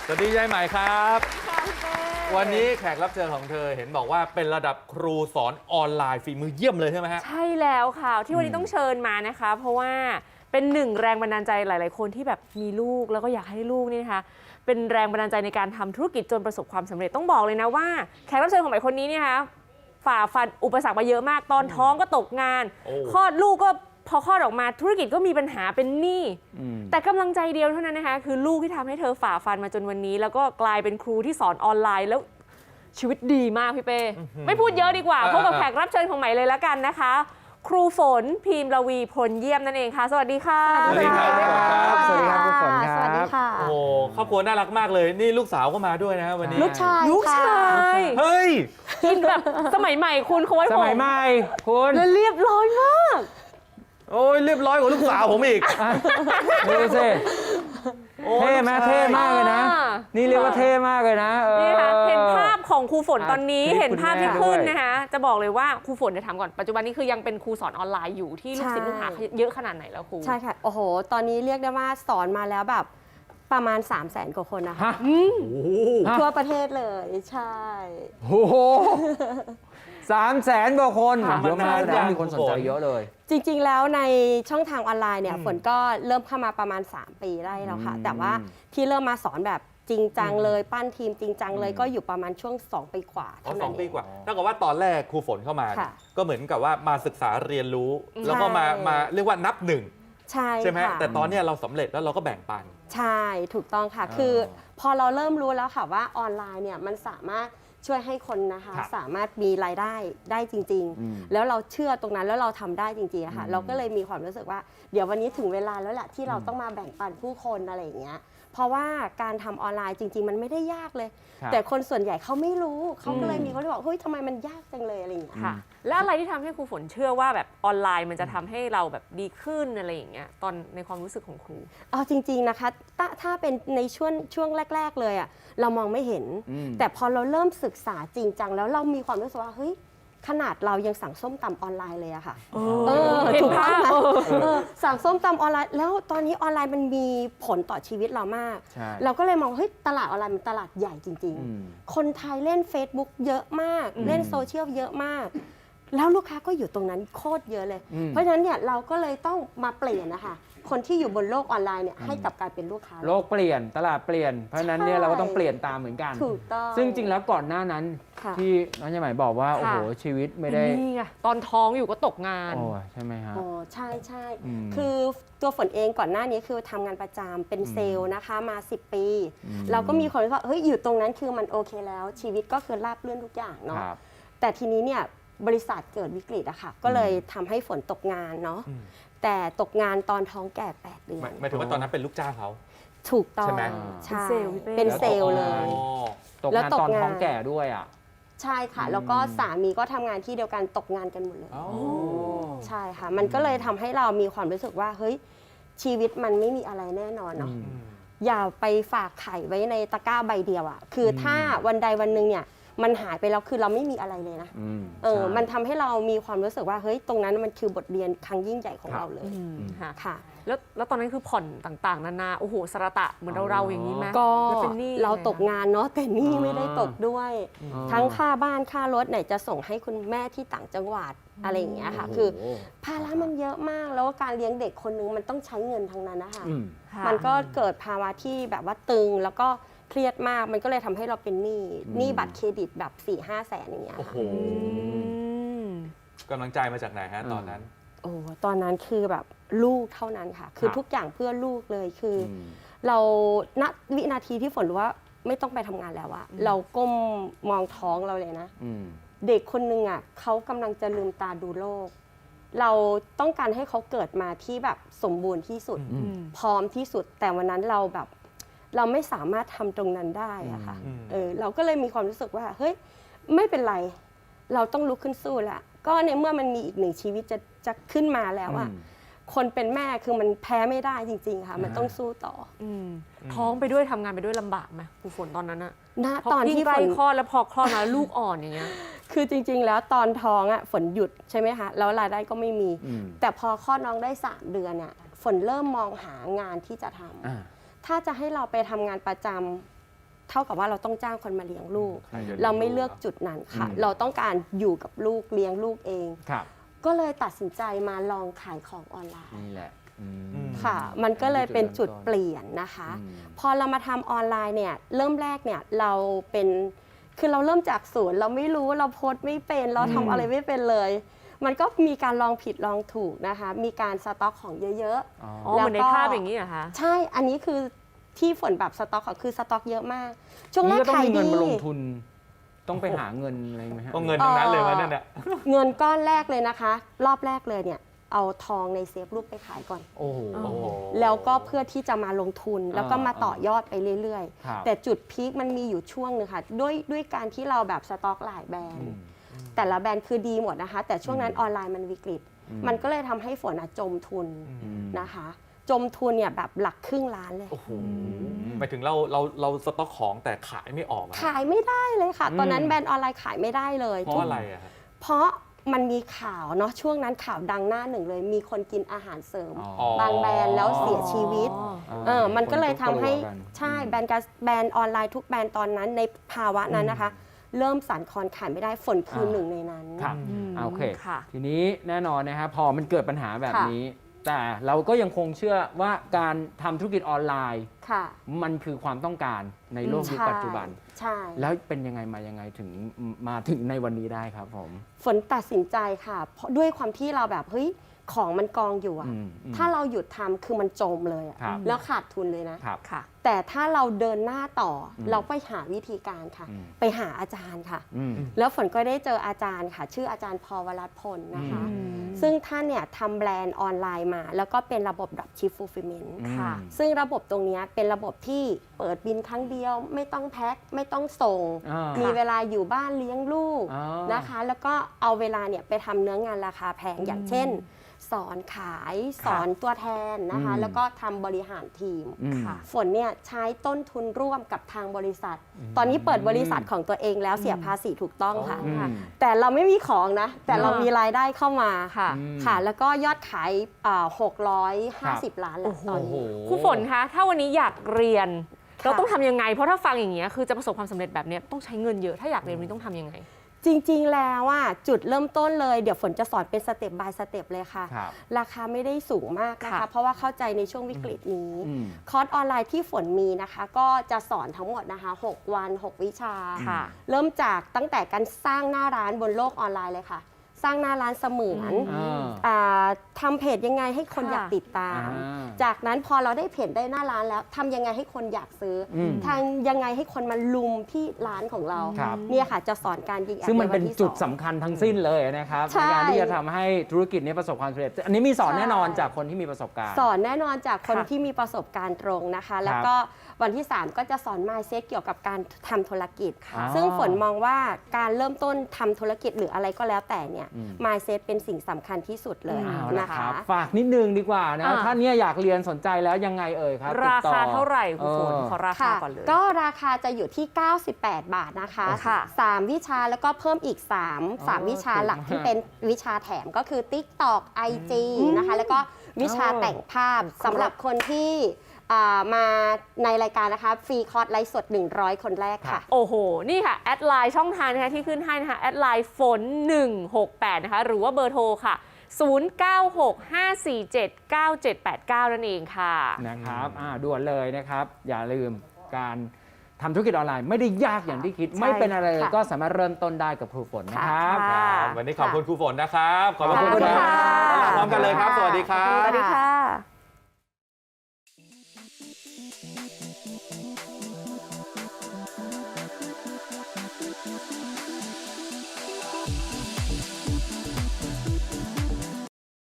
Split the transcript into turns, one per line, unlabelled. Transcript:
สวัสดียายใหม่ครับวันนี้แขกรับเชิญของเธอเห็นบอกว่าเป็นระดับครูสอนออนไลน์ฝีมือเยี่ยมเลยใช่ไหมฮะ
ใช่แล้วค่ะที่วันนี้ต้องเชิญมานะคะเพราะว่าเป็นหนึ่งแรงบันดาลใจหลายๆคนที่แบบมีลูกแล้วก็อยากให้ลูกนี่นะคะเป็นแรงบันดาลใจในการทำธุรกิจจนประสบความสำเร็จต้องบอกเลยนะว่าแขกรับเชิญของใหม่คนนี้เนี่ยนะคะฝ่าฟันอุปสรรคมาเยอะมากตอนท้องก็ตกงานคลอดลูกก็พอคลอดออกมาธุรกิจก็มีปัญหาเป็นหนี้แต่กำลังใจเดียวเท่านั้นนะคะคือลูกที่ทำให้เธอฝ่าฟันมาจนวันนี้แล้วก็กลายเป็นครูที่สอนออนไลน์แล้วชีวิตดีมากพี่เป้ไม่พูดเยอะดีกว่าพบกับแขกรับเชิญของใหม่เลยแล้วกันนะคะครูฝนพิมพ์ระวีพลเยี่ยมนั่นเองค่ะสวัสดีค่ะ
สวัสดีครับ
สวัสดีครับครูฝนครับ
สวัสดีค่ะ
โอ้ครอบครัวน่ารักมากเลยนี่ลูกสาวก็มาด้วยนะวันนี้
ลูกชาย
ลูกชาย
เฮ้ย
กินแบบสมัยใหม่คุณเขาไว้ผม
สมัยใหม่คุณ
แล้วเรียบร้อยมาก
โอ้ยเรียบร้อยกว่าลูกสาวผมอีก
ดูสิเท่ไหมเท่มากเลยนะนี่เรียกว่าเท่มากเลยนะ
นี่ค่ะเห็นภาพของครูฝนตอนนี้เห็นภาพที่ขึ้น
ด้วย
นะคะจะบอกเลยว่าครูฝนจะถามก่อนปัจจุบันนี้คือยังเป็นครูสอนออนไลน์อยู่ที่ลูกศิษย์ลูกหาเยอะขนาดไหนแล้วครู
ใช่ค่ะโอ้โหตอนนี้เรียกได้ว่าสอนมาแล้วแบบประมาณ 300,000 กว่าคนนะคะ ทั่วประเทศเลยใช่
โอ้โห300,000 กว่าคนเยอะมากนะมีคนสนใจเยอะเลย
จริงๆแล้วในช่องทางออนไลน์เนี่ยฝนก็เริ่มเข้ามาประมาณ3 ปีได้แล้วค่ะแต่ว่าที่เริ่มมาสอนแบบจริงจังเลยปั้นทีมจริงจังเลยก็อยู่ประมาณช่วง2 ปีกว่าเท่านั้น
2 ปีกว่าถ้าเกิดว่าตอนแรกครูฝนเข้ามาก็เหมือนกับว่ามาศึกษาเรียนรู้แล้วก็มาเรียกว่านับหนึ่งใช่ไหมแต่ตอนนี้เราสำเร็จแล้วเราก็แบ่งปัน
ใช่ถูกต้องค่ะคือพอเราเริ่มรู้แล้วค่ะว่าออนไลน์เนี่ยมันสามารถช่วยให้คนนะคะสามารถมีรายได้จริงๆแล้วเราเชื่อตรงนั้นแล้วเราทำได้จริงๆค่ะเราก็เลยมีความรู้สึกว่าเดี๋ยววันนี้ถึงเวลาแล้วแหละที่เราต้องมาแบ่งปันผู้คนอะไรอย่างเงี้ยเพราะว่าการทำออนไลน์จริงๆมันไม่ได้ยากเลยแต่คนส่วนใหญ่เขาไม่รู้เขาก็เลยมีคนที่บอกเฮ้ยทำไมมันยากจังเลยอะไรอย่างเงี้ย
ค่ะแล้วอะไรที่ทำให้ครูฝนเชื่อว่าแบบออนไลน์มันจะทำให้เราแบบดีขึ้นอะไรอย่างเงี้ยตอนในความรู้สึกของครู
เอาจริงๆนะคะถ้าเป็นในช่วงแรกๆเลยอ่ะเรามองไม่เห็นแต่พอเราเริ่มศึกษาจริงจังแล้วเรามีความรู้สึกว่าเฮ้ยขนาดเรายังสั่งส้มตำออนไลน์เลยอะค่ะถูกต้องไหมสั่งส้มตำออนไลน์แล้วตอนนี้ออนไลน์มันมีผลต่อชีวิตเรามากเราก็เลยมองเฮ้ยตลาดออนไลน์มันตลาดใหญ่จริงๆคนไทยเล่น Facebook เยอะมากเล่นโซเชียลเยอะมากแล้วลูกค้าก็อยู่ตรงนั้นโคตรเยอะเลยเพราะฉะนั้นเนี่ยเราก็เลยต้องมาเปลี่ยนนะคะคนที่อยู่บนโลกออนไลน์เนี่ยให้กลับกลายเป็นลูกค้า
โลกเปลี่ยนตลาดเปลี่ยนเพราะฉะนั้นเนี่ยเราก็ต้องเปลี่ยนตามเหมือนกัน
ถูกต้อง
ซึ่งจริงแล้วก่อนหน้านั้นที่น้องยายใหม่บอกว่าโอ้โหชีวิตไม่ได้
นี่ไงตอนท้องอยู่ก็ตกงาน
โอ้ใช่ไหมฮะ
โอ้ใช่ใช่คือตัวฝนเองก่อนหน้านี้คือทำงานประจำเป็นเซลล์นะคะมา10 ปีเราก็มีคนที่ว่าเฮ้ยอยู่ตรงนั้นคือมันโอเคแล้วชีวิตก็คือราบรื่นทุกอย่างเนาะแต่ทีนี้เนี่ยบริษัทเกิดวิกฤตอะค่ะก็เลยทำให้ฝนตกงานเนาะแต่ตกงานตอนท้องแก่8 เดือน
หมายถึงว่าตอนนั้นเป็นลูกจ้างเขา
ถูกต้อง
ใช่ไหม
ใช่เป็นเซลล์เลย
ตกงานตอนท้องแก่ด้วยอ่ะ
ใช่ค่ะแล้วก็สามีก็ทำงานที่เดียวกันตกงานกันหมดเลยใช่ค่ะมันก็เลยทำให้เรามีความรู้สึกว่าเฮ้ยชีวิตมันไม่มีอะไรแน่นอนเนาะอย่าไปฝากไข่ไว้ในตะกร้าใบเดียวอ่ะคือถ้าวันใดวันหนึ่งเนี่ยมันหายไปแล้วคือเราไม่มีอะไรเลยนะมันทำให้เรามีความรู้สึกว่าเฮ้ยตรงนั้นมันคือบทเรียนครั้งยิ่งใหญ่ของเราเลย
ค่ะแล้วตอนนั้นคือผ่อนต่างๆนานาโอ้โหสระตะเหมือนเราอย่างนี้ไหม
ก็เราตกงานเนาะแต่นี่ไม่ได้ตกด้วยทั้งค่าบ้านค่ารถไหนจะส่งให้คุณแม่ที่ต่างจังหวัดอะไรอย่างเงี้ยค่ะคือภาระมันเยอะมากแล้วการเลี้ยงเด็กคนนึงมันต้องใช้เงินทั้งนั้นนะคะมันก็เกิดภาวะที่แบบว่าตึงแล้วก็เครียดมากมันก็เลยทำให้เราเป็นหนี้บัตรเครดิตแบบ 4-5 แสนอย่างเงี้ยค่ะ
กำลังใจมาจากไหนฮะตอนนั้น
โอ้ตอนนั้นคือแบบลูกเท่านั้นค่ะคือทุกอย่างเพื่อลูกเลยคือเราณวินาทีที่ฝนรู้ว่าไม่ต้องไปทำงานแล้วอะเราก้มมองท้องเราเลยนะเด็กคนนึงอะเขากำลังจะลืมตาดูโลกเราต้องการให้เขาเกิดมาที่แบบสมบูรณ์ที่สุดพร้อมที่สุดแต่วันนั้นเราแบบเราไม่สามารถทำตรงนั้นได้อะค่ะเราก็เลยมีความรู้สึกว่าเฮ้ยไม่เป็นไรเราต้องลุกขึ้นสู้ละก็ในเมื่อมันมีอีกหนึ่งชีวิตจะขึ้นมาแล้วอะคนเป็นแม่คือมันแพ้ไม่ได้จริงๆค่ะมันต้องสู้ต่อ
ท้องไปด้วยทำงานไปด้วยลำบากไหมครูฝนตอนนั้นอะ
ตอนที่
ใกล้คลอดแล้วพอคลอดมาลูกอ่อนอย่างเงี้ย
คือจริงๆแล้วตอนท้องอะฝนหยุดใช่ไหมคะแล้วรายได้ก็ไม่มีแต่พอคลอดน้องได้3 เดือนเนี่ยฝนเริ่มมองหางานที่จะทำถ้าจะให้เราไปทำงานประจำเท่ากับว่าเราต้องจ้างคนมาเลี้ยงลูก
ให้เรียนรู้
เราไม่เลือกจุดนั้นค่ะ
อืม
เราต้องการอยู่กับลูกเลี้ยงลูกเอง
ครับ
ก็เลยตัดสินใจมาลองขายของออนไลน์
นี่แหละอืม
ค่ะ มันก็เลยเป็นจุดเปลี่ยนนะคะ
อืม
พอเรามาทำออนไลน์เนี่ยเริ่มแรกเนี่ยเราเป็นคือเราเริ่มจากศูนย์เราไม่รู้เราโพสต์ไม่เป็นเราทำอะไรไม่เป็นเลย มันก็มีการลองผิดลองถูกนะคะ มีการสต็อกของเยอะ
อ๋อ
อ๋อเหมือนในภาพอย่างนี้เหรอคะ
ๆ ใช่อันนี้คือที่ฝนแบบสต็อกของคือสต็อกเยอะมาก ช่วงแร
นี่
ก
ก็ต้อง
ขาย
มีเงิ
ดี
นมาลงทุน ต้องไปหาเงินอะไรไหมฮะ
ก็เงินทั้งนั้นเลยวันนั้นเนี่ย
เงินก้อนแรกเลยนะคะ รอบแรกเลยเนี่ยเอาทองในเซฟรูปไปขายก่อน
โอ้โห
โอ้โห
แล้วก็เพื่อที่จะมาลงทุนแล้วก็มาต่อยอดไปเรื่อย
ครับ
ๆ แต่จุดพีคมันมีอยู่ช่วงหนึงค่ะด้วยการที่เราแบบสต็อกหลายแบรน
อื
ด์
ม
แต่ละแบรนด์คือดีหมดนะคะ แต่ช่วงนั้นออนไลน์มันวิกฤต
อืม
มันก็เลยทำให้ฝนจมทุน
อืม
นะคะ จมทุนเนี่ยแบบหลักครึ่งล้านเลย
โอ้โหหมายถึงเราสต็อกของแต่ขายไม่ออกอะ
ขายไม่ได้เลยค่ะ ตอนนั้น
อืม
แบรนด์ออนไลน์ขายไม่ได้เลย
เพราะอะไรอะครับ
เพราะมันมีข่าวเนาะช่วงนั้นข่าวดังหน้าหนึ่งเลย มีคนกินอาหารเสริม
อ๋อ
บางแบรนด์แล้วเสียชีวิต มันก็เลยทำให้
คนกลัวกัน
ใช่แบรนด์ออนไลน์ทุกแบรนด์ตอนนั้นในภาวะนั้นนะคะ เริ่มสั่นคลอนขายไม่ได้ฝนคือหนึ่งในนั้น
ครับ
อืม
โอเค
ค่ะ
ทีนี้แน่นอนนะครับพอมันเกิดปัญหาแบบ
ค่ะ
นี้ แต่เราก็ยังคงเชื่อว่าการทำธุรกิจออนไลน์
ค่ะ
มันคือความต้องการในโลกยุคปัจจุบัน
ใช่
แล้วเป็นยังไงมายังไงถึงมาถึงในวันนี้ได้ครับผม
ฝนตัดสินใจค่ะ เพราะด้วยความที่เราแบบเฮ้ยของมันกองอยู่อะ
อืม
ถ้าเราหยุดทำคือมันจมเลยอะ
ครับ
แล้วขาดทุนเลยนะ
ครับ
ค่ะ
แต่ถ้าเราเดินหน้าต่ออ
ม
เราไปหาวิธีการค่ะ
อืม
ไปหาอาจารย์ค่ะ
อืม
แล้วฝนก็ได้เจออาจารย์ค่ะ ชื่ออาจารย์พวรัตน์พลนะคะ
อืม
ซึ่งท่านเนี่ยทำแบรนด์ออนไลน์มา แล้วก็เป็นระบบ Dropship Fulfillment
ค่ะ
ซึ่งระบบตรงเนี้ยเป็นระบบที่เปิดบินครั้งเดียว ไม่ต้องแพ็คไม่ต้องส่ง
อ่า
มีเวลาอยู่บ้านเลี้ยงลูก
อ๋อ
นะคะ แล้วก็เอาเวลาเนี่ยไปทำเนื้องานราคาแพงอย่างเช่น สอนขายสอนตัวแทนนะคะ
อืม
แล้วก็ทำบริหารทีม
อืม
ค่ะ
ฝนเนี่ยใช้ต้นทุนร่วมกับทางบริษัท ตอนนี้เปิดบริษัทของตัวเองแล้วเสียภาษีถูกต้องค่ะ
อืม
แต่เราไม่มีของนะ แต่เรามีรายได้เข้ามา
ค่ะ
อืม
ค่ะ แล้วก็ยอดขาย650 ล้านแล้วตอน
โอ้โห
นี้
ครูฝนคะ ถ้าวันนี้อยากเรียน
ค่ะ
เราต้องทำยังไง เพราะถ้าฟังอย่างเงี้ยคือจะประสบความสำเร็จแบบเนี้ยต้องใช้เงินเยอะ ถ้าอยากเรียนวันนี้ต้องทำยังไง
จริงๆ แล้วอ่ะจุดเริ่มต้นเลยเดี๋ยวฝนจะสอนเป็นสเต็ป by สเต็ปเลยค่ะ
ครับ
ราคาไม่ได้สูงมากนะคะ
ค่ะ
เพราะว่าเข้าใจในช่วงวิกฤตนี้
อืม
คอร์สออนไลน์ที่ฝนมีนะคะ ก็จะสอนทั้งหมดนะคะ 6 วัน 6 วิชา
ค่ะ
เริ่มจากตั้งแต่การสร้างหน้าร้านบนโลกออนไลน์เลยค่ะ สร้างหน้าร้านเสมือน ทำเพจยังไงให้คน
ค่ะ
อยากติดตาม จากนั้นพอเราได้เพจได้หน้าร้านแล้วทำยังไงให้คนอยากซื้ออ
ม
ทางยังไงให้คนมาลุมที่ร้านของเรา
ครับ
เนี่ยค่ะจะสอนการยิงแอด
ซึ่งมันเป็น
ใวัที่
จุด
2
สำคัญทั้งสิ้นเลยนะครับ
ใช่
ในการที่จะทำให้ธุรกิจนี้ประสบความสำเร็จ อันนี้มีสอน
ใช่
แน่นอนจากคนที่มีประสบการณ์
สอนแน่นอนจากคน
ค่ะ
ที่มีประสบการณ์ตรงนะคะ แล้วก็วันที่ 3 ก็จะสอน mindset เกี่ยวกับการทำธุรกิจ
ค่ะ
ซึ่งฝนมองว่าการเริ่มต้นทำธุรกิจหรืออะไรก็แล้วแต่เนี่ย
อืม
mindset เป็นสิ่งสำคัญที่สุดเลย
เอาละ
นะ
ค
คะ
รับฝากนิดนึงดีกว่านะ ถ้าเนี่ยอยากเรียนสนใจแล้วยังไงเอ่ยครับ
รา
ติดต่อ
คาเท่าไหร่ครูฝน ขอราคา
ค่ะ
ก่อนเลย
ก็ราคาจะอยู่ที่ 98 บาทนะคะ
ค่ะ
3 วิชาแล้วก็เพิ่มอีก 3 วิชาหลักที่เป็นวิชาแถมก็คือ TikTok IG นะคะ แล้วก็วิชาแต่งภาพสำหรับคนที่มาในรายการนะคะ ฟรีคอร์สไลฟ์สด 100 คนแรกค่ะ
โอ้โห นี่ค่ะ แอดไลน์ช่องทางนะคะที่ขึ้นให้นะคะ แอดไลน์ฝน168 นะคะ หรือว่าเบอร์โทรค่ะ 0965479789 นั่นเองค่ะ
นะครับด่วนเลยนะครับ อย่าลืมการทำธุรกิจออนไลน์ไม่ได้ยากอย่างที่คิด
ใช่
ไม่เป็นอะไรเลย
ค่ะ
ก็สามารถเริ่มต้นได้กับครูฝนนะครับ
ค่ะ
ครับวันนี้ขอบคุณครูฝนนะครับ ขอบพระคุณ
ขอบคุณ
ค
ค่ะ
รับพร้อมกันเลยครับ สวัสดีครับ
สวัสดีค่ะ